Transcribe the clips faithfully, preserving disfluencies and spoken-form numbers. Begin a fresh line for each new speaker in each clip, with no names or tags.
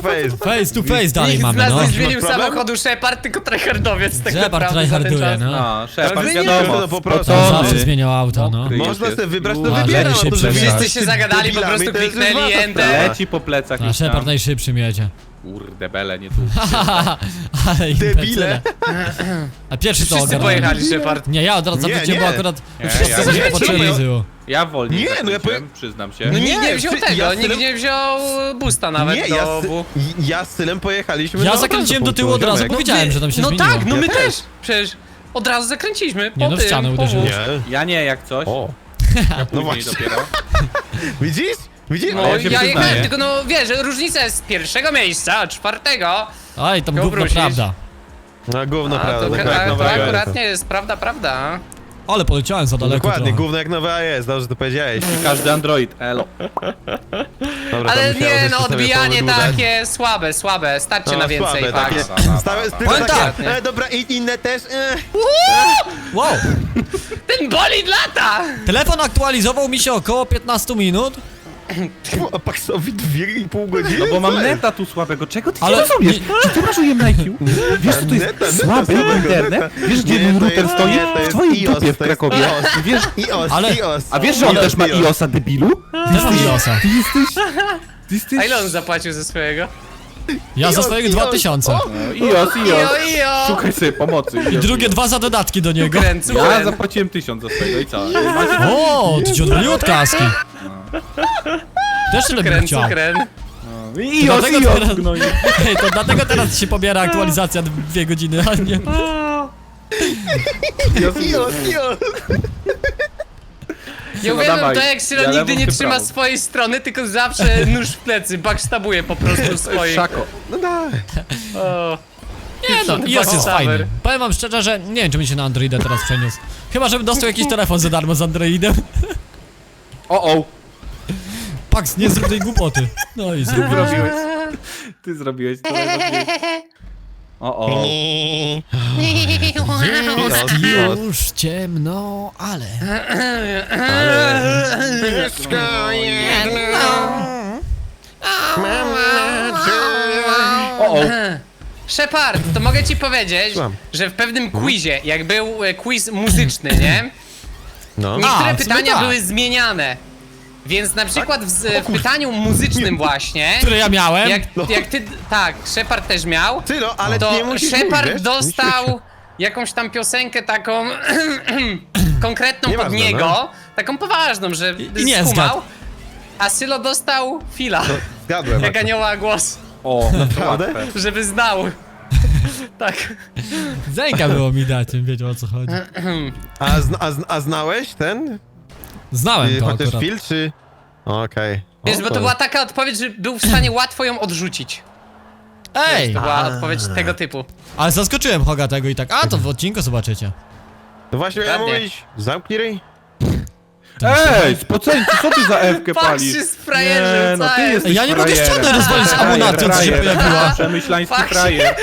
face.
Face to face dalej
Nikt z
mamy,
nas
no.
nie zmienił
Masz problem?
samochodu, Shepard, tylko tryhardowiec tak
Shepard
naprawdę za ten
tryharduje,
czas.
no.
No, Shepard,
Ale
wiadomo,
no po prostu.
On
Spocony.
zawsze zmieniał auto, no.
Kryje
Można
się.
sobie wybrać, to
Uważaj,
wybieram.
się
no to
przejdzie.
wybierasz.
Wszyscy się zagadali, po
Debilami,
prostu
to jest
kliknęli
wasza
enter.
sprawa.
Leci po plecach
A
gdzieś tam.
Shepard najszybszym jedzie.
Kurde, bele, nie tu.
Ale
Debile.
imbecyle. A pierwszy to
Wszyscy
ogarnąłem.
pojechali, Shepard.
Nie, ja od razu
Nie,
zawróciłem, bo
nie.
akurat
Nie,
wszyscy
ja-
sobie
nie,
popatrzyli
czemu?
z tyłu.
Ja wolniej
Nie, no ja
zakończyłem, przyznam się.
No nikt
Nie,
nie wziął
ty-
tego,
ja
nikt
stylem-
nie wziął busta nawet
Nie,
do
ja,
obu.
z, ja z Sylem pojechaliśmy
Ja
na
zakręciłem do
punktu,
tyłu od razu,
ziomek.
bo wiedziałem, że tam się
No
zmieniło.
tak, no
Ja
my
też.
też. Przecież od razu zakręciliśmy. Po
Nie, no w
tym,
ścianę
po
uderzyłeś.
wóz.
Nie.
Ja nie, jak coś.
O.
Ja później
właśnie.
dopiero.
Widzisz? Widzisz?
No
Ale
ja,
ja się
jechałem,
przyznaję.
tylko no wiesz, różnica jest z pierwszego miejsca, a czwartego.
Oj, tam
Go
gówno
wrócisz.
prawda.
No gówno
A to,
prawda.
a,
dokładnie.
to
nowego
akurat nie jest prawda, prawda.
Ale poleciałem za daleko
Dokładnie,
trochę.
gówno jak nowe A jest, dobrze to powiedziałeś.
Każdy Android, elo.
Dobra,
Ale
tam musiało
nie
coś
no,
sobie
odbijanie
podłużać.
takie słabe, słabe, starcie
No,
na więcej,
słabe,
tak.
takie,
Dobra,
stałe,
dobra.
tylko
Powiem
takie,
tak.
e, dobra i inne też, e.
Wow!
Ten bolid lata!
Telefon aktualizował mi się około piętnaście minut,
Fu, a Paksowi dwie i pół godziny?
No bo mam
Co jest?
neta tu słabego, czego ty
ale...
nie rozumiesz? Czy ty masz U M na I Q? Wiesz co to jest
Neta, neta
słaby
słabego,
internet?
neta.
Wiesz gdzie
Nie,
mój
to
router
jest-
stoi?
nie, to
W
jest
twojej
iOS,
dupie w
to jest
Krakowie.
iOS.
Wiesz,
iOS,
Ale-
iOS.
a wiesz, że on
iOS,
też ma
iOS.
iOS-a, debilu?
Też mam iOS-a.
Ty jesteś... Ty jesteś...
A ile on zapłacił ze swojego?
Ja za
iOS,
swojego
iOS.
dwa tysiące.
O,
No, iOS,
Ijo,
iOS.
ijo!
Szukaj sobie pomocy.
I drugie dwa za dodatki do niego.
Cukren,
Ja
cukren.
zapłaciłem tysiąc za swojego i co? Macie...
O, to ci odwaliło od kaski. Też tyle bym
Cukren,
chciał.
cukren.
iOS,
dlatego
iOS,
teraz-
no i...
Hej, to dlatego teraz się pobiera aktualizacja dwie godziny, a nie...
iOS,
iOS, iOS.
Ja
No
uwielbiam
dawaj,
to, jak Sylo
ja
nigdy
lewą,
nie
ty
trzyma
prawą.
swojej strony, tylko zawsze nóż w plecy, backstabuje po prostu swoich.
Szako.
No daj.
O.
Nie no, iOS jest
Backstaber.
fajny. Powiem wam szczerze, że nie wiem, czy mi się na Androida teraz przeniósł. Chyba, żebym dostał jakiś telefon za darmo z Androidem.
O, o.
Pax, nie zrób tej głupoty. No i zrobiłem.
Zrobiłeś. Ty zrobiłeś to. zrobiłeś. O, o.
Jest już ciemno, ale...
Wszystko jedno. Mam nadzieję.
O, o.
Shepard, to mogę ci powiedzieć,
Słucham.
że w pewnym quizie, jak był e, quiz muzyczny, nie?
No.
Niektóre
A, w sumie
pytania
tak.
były zmieniane. Więc na przykład w, z- w pytaniu muzycznym właśnie,
Które ja miałem.
jak, jak ty, tak, Shepard też miał,
Tylo, ale nie
to
musisz
Shepard
mówić, wiesz?
dostał jakąś tam piosenkę taką konkretną pod
Nieważne,
niego,
no.
taką poważną, że
I nie
skumał,
zgadł.
a Sylo dostał fila,
Zgadłem.
jak anioła głos,
O,
Naprawdę?
łatwe.
żeby znał. Tak.
Zęka było mi dać, bym wiedział o co chodzi.
A, zna, a, zna, a znałeś ten?
Znałem
Y,
to
chociaż
akurat.
film, czy... Okej.
Wiesz,
O,
bo to była taka odpowiedź, że był w stanie łatwo ją odrzucić.
Ej!
To była odpowiedź tego typu.
Ale zaskoczyłem Hoga tego i tak. A, to w odcinku zobaczycie.
No właśnie miałem
Dokładnie.
mówić, zamknij ryj.
Ej, spoceńcu, co ty za Ewkę
Patrz
palisz?
się z frajerze,
Nie, no
co
ty
jest?
jesteś
Ja nie mogę
frajerem.
ściany rozwalić z
Frajer,
amunacją, co się
frajer.
pojawiła.
Przemyślański
Fuck.
frajer.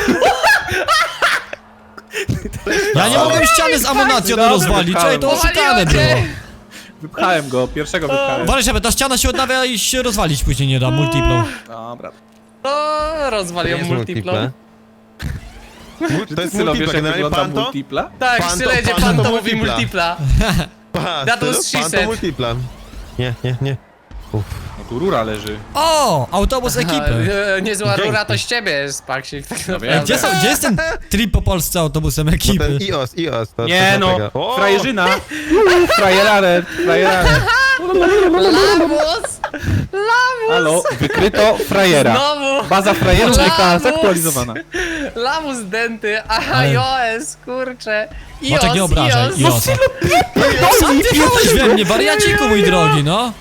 Ja nie mogłem ściany z amunacją
Dobra,
rozwalić, ej, to
wypchałem.
oszukane
Powaliło
było.
cię.
Wypchałem go, pierwszego wypchałem.
Uważaj, żeby ta ściana się odnawia i się rozwalić później nie da, multiplą.
Dobra.
O, rozwalił
jest
multiplą.
multiple. To jest
Sylo, wiesz
multiple,
jak
generalnie
wygląda
panto.
multipla?
Tak,
Pan to-
Sylo jedzie
pan
pan
to
to mówi
multipla.
multipla.
Pa,
That was
to-
she
pan to
said.
multipla. Nie, nie, nie.
No tu rura leży.
O, autobus ekipy.
E, Niezła
Dzięki.
rura to z ciebie jest, Paksik, tak
wiem.
naprawdę.
Gdzie, są, gdzie jest ten trip po Polsce autobusem
Bo
ekipy?
ten iOS, iOS. To,
Nie
to
no,
tego. O!
frajerzyna. Frajerare, frajerare.
Lamus!
Halo, wykryto frajera.
Znowu!
Baza frajerów
Lamus!
została zaktualizowana.
Lamus denty, aha,
Ale-
iOS, kurczę. iOS,
Maciek, nie obrażaj,
iOS.
Iosa. Sam ty wjechałeś we mnie, wariaciku mój drogi, no.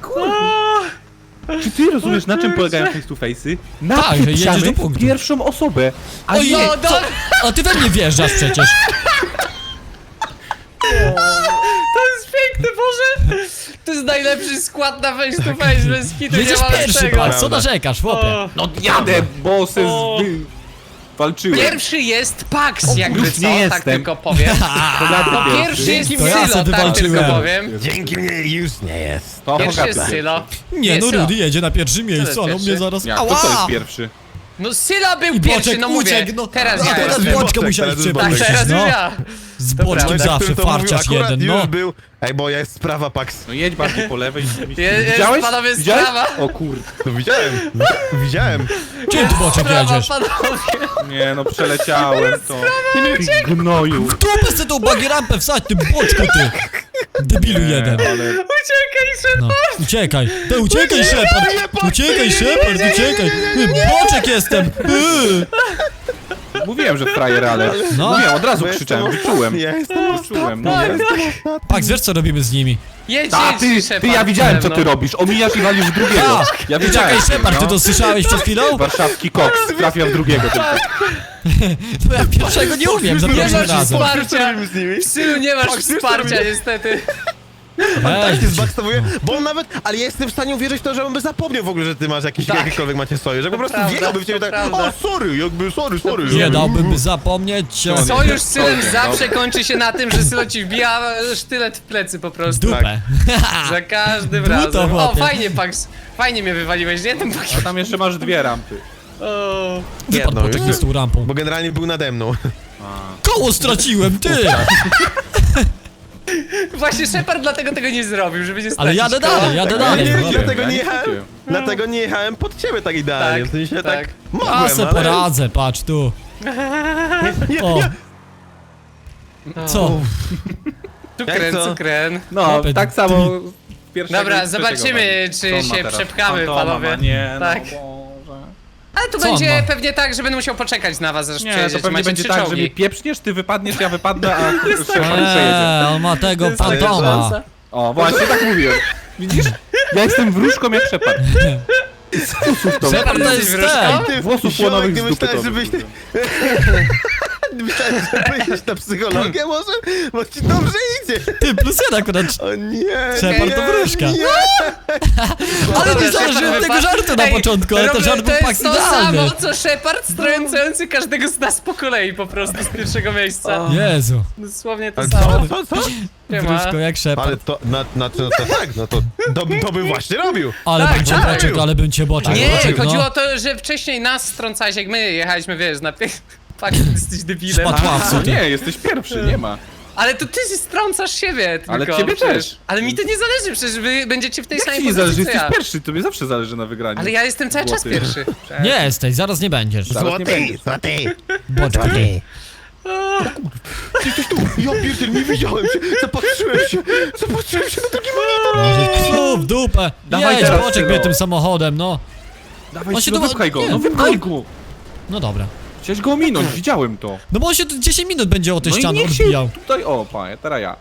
Czy ty rozumiesz, na czym polegają face to face'y? Na
Tak, że jedziesz do
wpieprzamy
punktu.
pierwszą osobę. A
Oj,
nie,
No,
co? A ty we mnie wjeżdżasz przecież.
To jest piękne, Boże! To jest najlepszy skład na face to face, bez kitu, nie
Jedziesz
ma
pierwszy,
lepszego.
patrz, co narzekasz, chłopie?
O,
no jadę, bo se
O.
zwy... Walczyłem.
Pierwszy jest Pax, jakby
już
co,
nie
tak
jestem.
tylko powiem.
Kogaty
No
pierwszy.
pierwszy jest
To ja
Sylo,
sobie
tak tylko
walczyłem.
powiem.
Dzięki mnie już nie jest.
To
Pierwszy
Hogaty
jest Sylo.
Nie, no
Sylo.
Rudy jedzie na pierwszym miejscu, ale on
pierwszy?
mnie zaraz...
Jak to, co jest pierwszy?
No Sylo był
I
pierwszy,
Boczek
no mówię.
uciekł, no.
Teraz
A
ja
teraz
jestem.
Boczka
Boczek,
musiałeś
teraz jest
Tak,
przepuścić,
teraz już
no.
ja.
Z
Dobra.
Boczkiem
Ale
Tak,
zawsze
który to mówił,
farciarz
akurat
jeden,
już
no.
był. Ej, bo jest sprawa Pax.
No jedź bardziej po lewej.
Je- jest,
Widziałeś?
panowie,
Widziałeś?
sprawa.
O kurde.
No widziałem, widziałem.
Gdzie ty Boczek
Brawa,
jedziesz?
panowie.
Nie no, przeleciałem to. Ty gnoju.
Dupę sobie tą bagi rampę wsadź, ty Boczku, ty! Debilu jeden.
Ale...
Uciekaj, szybko.
No, uciekaj. Ty uciekaj, Shepard! Uciekaj, Shepard, uciekaj! Ty, Boczek jestem! Yy.
Mówiłem, że frajer, ale...
No.
Mówiłem, od razu
Bo
krzyczałem,
jestem
wyczułem.
Ja jestem
Wyczułem, no.
Tak, tak.
Pax, wiesz co robimy z nimi?
Jedź,
A
jedź,
ty,
Shepard,
ty, ja widziałem co
ze
ty
mną.
robisz. Omijasz i walisz w drugiego. Ja widziałem.
Czekaj, Shepard, ty
no.
to słyszałeś przed chwilą?
Warszawski koks. Trafia w drugiego tylko.
Bo ja pierwszego nie umiem, za
Nie
pierwszym
masz
razem.
wsparcia.
z nimi?
W Sylu nie masz
Pax, wiesz, co
wsparcia
robię?
niestety.
Tak
Weź,
się zbackstowuje, bo on nawet, ale ja jestem w stanie uwierzyć w to, że on by zapomniał w ogóle, że ty masz jakiś,
Tak.
jakikolwiek macie sojusz, że po prostu
prawda,
wjechałby w ciebie
to
tak,
prawda.
o sorry, jakby sorry, sorry.
nie dałbym zapomnieć e,
Sojusz z Sylem
Dobra,
zawsze
dobra.
kończy się na tym, że Sylo ci wbija sztylet w plecy po
w
prostu.
dupę.
Za każdym
Duto,
razem. O,
chłopie.
fajnie, Pax. Fajnie mnie wywaliłeś, nie? Ten Pax.
A tam jeszcze masz dwie rampy.
O.
Wypadł
Jedno
Boczek
już.
z tą rampą.
Bo generalnie był nade mną.
Koło straciłem, ty!
Właśnie Shepard dlatego tego nie zrobił, żeby nie stracić
Ale jadę
koła.
dalej, jadę
Ja
dalej.
nie
no.
widziałem,
dlatego
ja
nie
nie
jechałem,
widziałem.
dlatego nie jechałem pod ciebie tak idealnie,
Tak,
w sensie tak,
tak.
mogłem,
Ja se
ale...
poradzę, patrz tu. O. Co?
Cukren,
Jak to?
cukren.
No,
Chłopie,
tak samo pierwszego
Dobra,
i trzeciego
zobaczymy,
wali.
czy
Co on ma
się
teraz?
przepchamy,
Fantoma
panowie.
ma, Nie,
Tak.
no Boże.
Ale to
Co on
będzie
ma?
pewnie tak, że będę musiał poczekać na was, aż
Nie,
przejedziecie.
to pewnie
Macie
będzie
trzy
tak, że
czołgi.
mnie pieprzniesz, ty wypadniesz, ja wypadnę, a Shepard przejedzie.
Eee, on ma tego
jest taka
fantoma.
szansa.
O, właśnie tak mówiłem. Widzisz? Ja jestem wróżką jak Shepard. To
Shepard to
jesteś
jest
wróżką?
ten.
Włosów
Ziomek,
płonowych
nie
z dupy to
myślałem, żebyś ty...
wypływa.
Myślałem, że pójdziesz na psychologię może? Bo ci dobrze idzie.
Ty, plus jeden akurat.
O nie,
Shepard to
nie,
wróżka.
nie.
Ale
Dobra,
nie założyłem
Shepard
tego
wypadł.
żartu na
Ej,
początku, ale ten
robię-
żart był
To
Pax
jest to
idealny.
samo, co Shepard strącający każdego z nas po kolei po prostu z pierwszego miejsca.
Jezu.
Dosłownie to
Ale
samo.
co, co, co?
Siema.
Wróżko jak Shepard.
Ale to, na, znaczy, no to tak, no to, to, to bym właśnie robił.
Ale
Tak,
bym cię
tak.
Boczek, ale bym cię Boczek.
Nie,
Boczek,
chodziło
no.
o to, że wcześniej nas strącałeś, jak my jechaliśmy, wiesz, na pie... Fakt, jesteś debilem.
Spadł ławcu, ty.
Nie, jesteś pierwszy, nie ma.
Ale to ty strącasz siebie tylko.
Ale ciebie
przecież.
też.
Ale mi to nie zależy, przecież wy będziecie w tej
Jak
samej
ci nie
pozycji
zależy,
co
jesteś
ja.
pierwszy, tobie zawsze zależy na wygraniu.
Ale ja jestem cały czas
Złoty.
pierwszy.
Nie jesteś, zaraz nie będziesz.
Zaraz nie
Złoty,
będziesz.
złoty,
Boczku, ty.
złoty. Ty jesteś tu, ja pierdziel, nie widziałem się, zapatrzyłem się, zapatrzyłem się na drugi monitor.
Psu, w dupę.
Dawaj
Jedź,
teraz,
Boczek
Sylo.
mnie tym samochodem, no.
Dawaj
On
się
się
no
do-
wypchaj go,
nie,
no wypchaj go.
No dobra.
Chciałeś go ominąć, widziałem to.
No bo on się tu dziesięć minut będzie o tę
No i
ścianę
niech się
odbijał.
tutaj, o panie, teraz ja.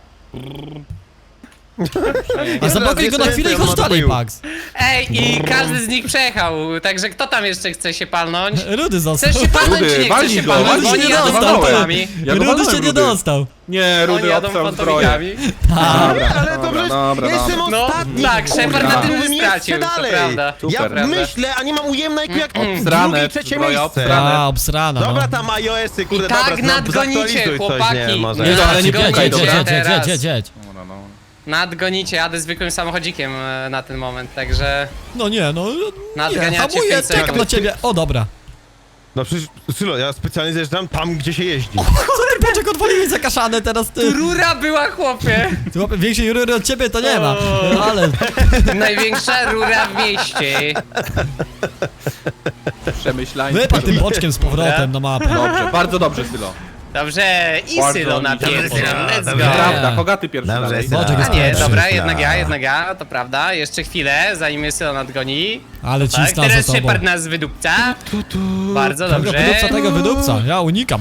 A zablokuj go na chwilę i chodź dalej, Pax.
Ej, i każdy z nich przejechał, także kto tam jeszcze chce się palnąć?
Rudy został.
Chcesz się palnąć,
Rudy,
czy nie chcesz
walnij
się
go,
palnąć?
walnij
Bo
się
oni
nie
jadą
dostał, ty.
fantomikami.
Ja go
Rudy się
walnąłem,
nie
Rudy.
dostał.
Nie,
Oni
Rudy
jadą
obstał zbroję.
fantomikami.
Dobra,
Ale to
dobra,
przecież
dobra,
ja jestem
dobra.
No,
ostatni.
tak, Shepard
Dobra.
na tym
Byłem jeszcze
stracił, to
dalej.
prawda.
Ja
Super.
myślę, a nie mam ujemnej jak
Obsrane,
drugie, trzecie
zbroja
miejsce.
obsrane.
A, obsrana, no.
Dobra, tam iOS-y, kurde,
I tak
dobra, no,
nadgonicie,
zaktualizuj
chłopaki.
Coś, nie, może.
Nie, no, ale nie
Jedź,
pukaj,
jedź,
dobra?
jedź, jedź, jedź, jedź, jedź.
Dobra, no.
Nadgonicie, jadę zwykłym samochodzikiem e, na ten moment, także
No nie, no. Nie,
nadganiacie
hamuję,
pięć
czekam
sekund.
na ciebie. O, dobra.
No przecież, Sylo, ja specjalnie zjeżdżam tam, gdzie się jeździ.
Co ty, Boczek, odwaliłeś zakaszane teraz, ty.
Rura była, chłopie!
Ty łapie większej rury od ciebie to nie ma.
O.
Ale
Największa rura w mieście.
Przemyślanie.
wypadł tym Boczkiem z powrotem na mapę.
Dobrze, bardzo dobrze, Sylo.
Dobrze, i
Bardzo
Sylo na
dobrze.
pierwszym, let's
Dobrze.
go.
Prawda, Hogaty pierwszy
Dobrze,
dalej.
Sylo.
Boczek jest
A nie,
pierwszy.
dobra, jednak ja, jednak ja, to prawda. Jeszcze chwilę, zanim mnie Sylo nadgoni.
Ale
Tak,
cisna za
teraz
tobą.
Shepard nas wydupca. Bardzo
Tego
dobrze.
wydupca, tego wydupca. Ja unikam.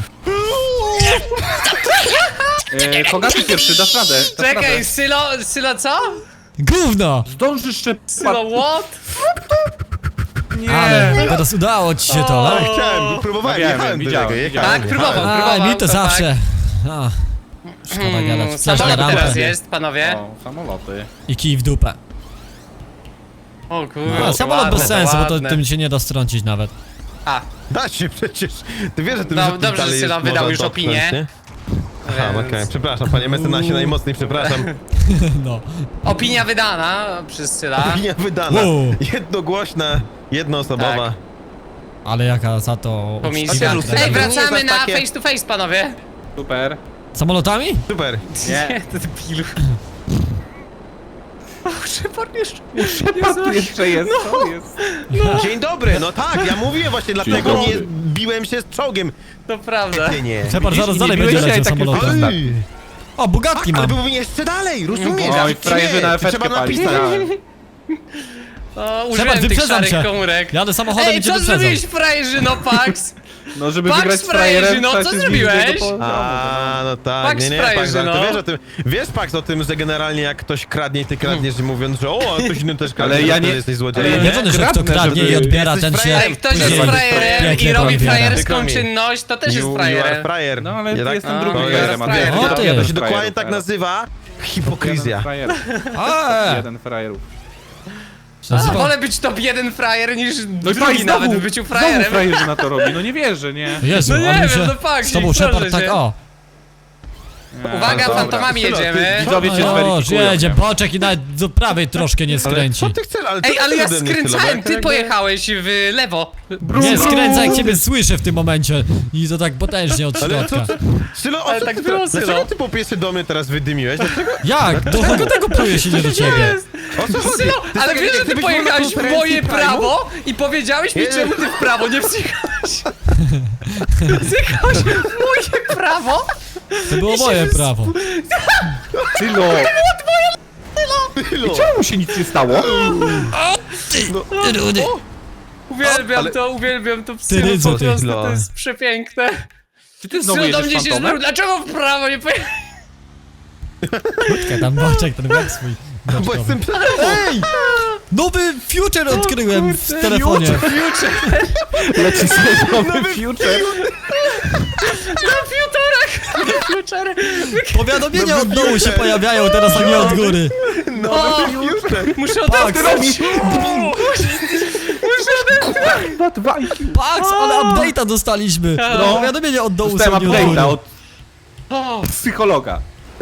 E, Hogaty pierwszy, dasz radę. Dasz
Czekaj,
radę.
Sylo, Sylo co?
Gówno!
Zdążysz jeszcze...
Sylo what?
Ale teraz udało ci się to,
Ale
no.
chciałem, próbowałem,
No wiem,
jechałem do
widziałem,
tego,
widziałem.
jechałem.
Tak, próbował,
A,
próbował.
mi to
tak.
zawsze. A, szkoda
Mm,
gadać. Flash na
Samolot teraz
rampę
jest, panowie.
O, samoloty.
i kij w dupę.
O kurde,
A, samolot bez
ładne,
sensu, bo to
ładne.
tym się nie da strącić nawet.
A,
Da się przecież. Ty wiesz, że tym,
No,
że tym
dobrze, że
dalej
Syla
jest
wydał
można
już
dotknąć,
opinię.
nie? Aha,
Więc-
okej, przepraszam, panie mecenasie, najmocniej przepraszam.
No.
opinia wydana przez Syla.
Opinia wydana.
Wow.
Jednogłośna, jednoosobowa.
Tak.
Ale jaka za to...
Komisja.
Chociaż Syla
Ej,
to nie
wracamy
jest aż
na
takie-
face to face, panowie.
Super.
Samolotami?
Super.
Nie.
to debilu. O, Shepard jeszcze.
Shepard tu jeszcze jest, co jest?
Dzień dobry, no tak, ja mówiłem właśnie, dlatego
dobry.
nie biłem się z czołgiem.
To prawda.
Nie, nie.
Shepard zaraz
nie
dalej
biłeś
będzie
się,
leciał
a takie
samolotem.
Ej,
O, Bugatti
ale
mam.
byłbym jeszcze dalej, rozumiesz?
Oj,
Nie,
frajerzy na
to trzeba
efektkę pali.
napisać.
O, użyłem tych
wyprzedzam
szarych
cię.
komórek.
Jadę samochodem
Ej,
i cię
co
wyprzedzam.
zrobiłeś, frajerzy, no Pax?
No, żeby
Pax
wygrać z
frajerzy,
frajerem,
no,
trzeba
co
się
zrobiłeś?
zbliżyć do poziomu,
A, no tak,
Pax
nie, nie,
frajerzy,
Pax, ale to
no.
wiesz o tym, wiesz Pax o tym, że generalnie jak ktoś kradnie i ty kradniesz, mówiąc, że o, a ktoś inny też kradnie,
Ale ja
to
nie-
jesteś
ale
złodziejem.
ja
Nie wiem, że kto
Kradnę,
kradnie
żeby-
i odbiera,
Jesteś
ten się...
frajerem.
Ej, ktoś jest
później
frajerem
pięknie
i robi
odbiera.
frajerską
Przykro mi.
czynność, to też jest
You, you are
frajerem.
frajer.
No, ale
Nie tak?
jestem
A,
drugim
to
frajerem,
jest
a
frajer.
ty-
O, ty.
jeden
To się
frajerów,
dokładnie tak
teraz.
nazywa hipokryzja.
Jeden frajerów.
A,
Jeden frajerów.
się nazywa-
Wolę być top jeden frajer niż
No i
drugi
znowu,
nawet w byciu
znowu
frajerem.
frajerzy na to robi, no nie wierzę, nie?
Jezu,
No nie
ale mi
wiem,
się...
no fakt,
Z tobą
proszę
Shepard tak,
cię.
o.
Nie,
Uwaga,
dobra.
fantomami
Sylo, ty-
jedziemy.
Widzowie cię
No już,
zweryfikują,
jedzie,
nie?
boczek i nawet do prawej troszkę nie
Ale
skręci.
co ty chcesz? Ale co
Ej,
ty
ale ja
ode mnie, Sylo?
skręcałem,
Jak-
ty
jak-
pojechałeś w lewo.
Nie skręca, jak ciebie słyszę w tym momencie. I to tak potężnie od
Ale
środka.
co, co? Sylo, o
Ale
co
tak
ty
było,
teraz-
Sylo.
Dlaczego ty po pierwsze do mnie teraz wydymiłeś? Dlaczego?
Jak? Do kogo tego pluje się nie do ciebie?
O co chodzi?
Sylo,
To jest
ale
tak,
wiesz,
jak
że ty
gdybyś był na
pojechałeś w
konferencji
moje
Prime'u?
prawo i powiedziałeś mi,
Nie.
czemu ty w prawo nie psychałeś. Zjechałeś w moje prawo?
To było moje prawo.
Sylo!
Sylo.
Czemu się nic nie stało?
Rudy.
Uwielbiam
ale-
to, uwielbiam to
Ty
psy,
rydzu,
po
ty.
prostu to jest przepiękne.
Czy ty znowu
Sylo do
jedziesz
mnie się
fantomem?
zwrócił, dlaczego w prawo nie pojechałeś?
Krótkę tam boczek, ten web swój.
Bo
boczkowy.
jestem przed tobą. Ej!
Nowy future odkryłem w telefonie.
Leci sobie nowy future.
Na fiutorach! Na fiutorach!
Powiadomienia od
Nowy
dołu się
future.
pojawiają teraz, a nie od góry.
Nowy future.
Muszę
Pax,
odetchnąć! Muszę odetchnąć!
Dwa, dwa I Q.
Pax, ale update'a dostaliśmy.
No.
Powiadomienia od dołu są
Dostałem
nie od góry.
update'a od
O,
psychologa.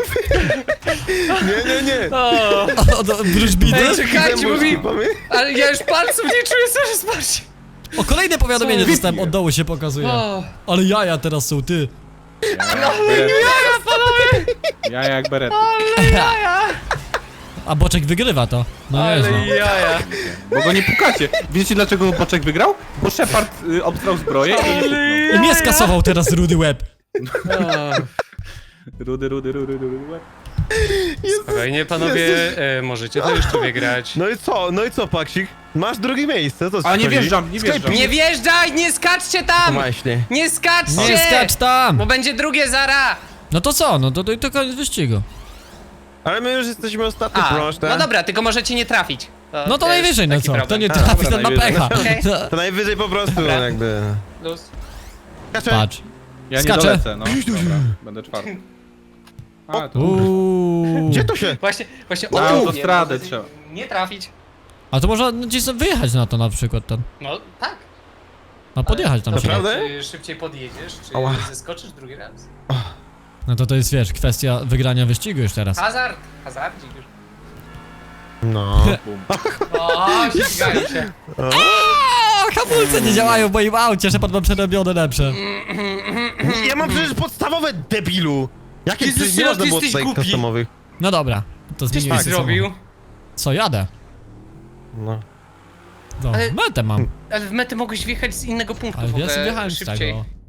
Nie, nie, nie.
o.
Od od wróżbity?
Ej, czekajcie, mówi...
Mamy?
Ale ja już palców nie czuję, co spać.
O, kolejne powiadomienie
Co?
dostałem, od dołu się pokazuje.
O,
Ale jaja teraz są, ty.
jaja, panowie!
Ja jak beret.
Ale jaja!
A boczek wygrywa to. No
Ale
nieźle.
jaja!
Bo go nie pukacie. Wiecie dlaczego Boczek wygrał? Bo Shepard y, obstrał zbroję i go nie puknął.
I mnie skasował teraz rudy łeb.
O.
Rudy, rudy, rudy, rudy, łeb.
Spokojnie, panowie, e, możecie to jeszcze wygrać.
No i co, no i co, Paksik? Masz drugie miejsce, to
A nie wjeżdżam, nie wjeżdżam.
Nie wjeżdżaj, nie skaczcie tam!
Właśnie.
Nie skaczcie!
Nie skacz tam!
Bo będzie drugie zara!
No to co? No to, to, to koniec wyścigu.
Ale my już jesteśmy ostatni,
A,
proszę.
no dobra, tylko możecie nie trafić.
No to
jest
najwyżej, no
taki
co? Kto
problem.
nie
A,
trafi,
dobra,
ten ma
najwyżej.
pecha.
Okej.
No.
To najwyżej po prostu
Dobra.
jakby...
Luz.
Kacze.
Patrz.
Ja nie
Skaczę.
dolecę, no. Dobra, będę czwarty. A, to
Uuu.
Gdzie to się?
Właśnie, właśnie
Na
o tym
autostradę
mówię,
trzeba.
Nie trafić.
A to można no, gdzieś wyjechać na to na przykład tam.
No tak.
A podjechać tam
Ale
się.
to
Naprawdę?
Czy szybciej podjedziesz, czy
Ała.
zeskoczysz drugi raz?
No to to jest, wiesz, kwestia wygrania wyścigu już teraz.
Hazard, hazardzik już.
No.
O, ścigają się.
O, hamulce nie działają w moim aucie, Shepard ma przerobione lepsze.
Ja mam przecież podstawowe, debilu! Jakie
Jezus,
przecież nie
Sylo,
można
ty
było
jesteś
tutaj
głupi.
customowych.
No dobra, to
Coś
zmieniłem
mi zrobił.
Co, jadę?
No.
No,
Ale-
metę mam.
Ale w metę mogłeś wjechać z innego punktu
Ale
w
ja
ogóle
sobie wjechałem z
szybciej.
tego.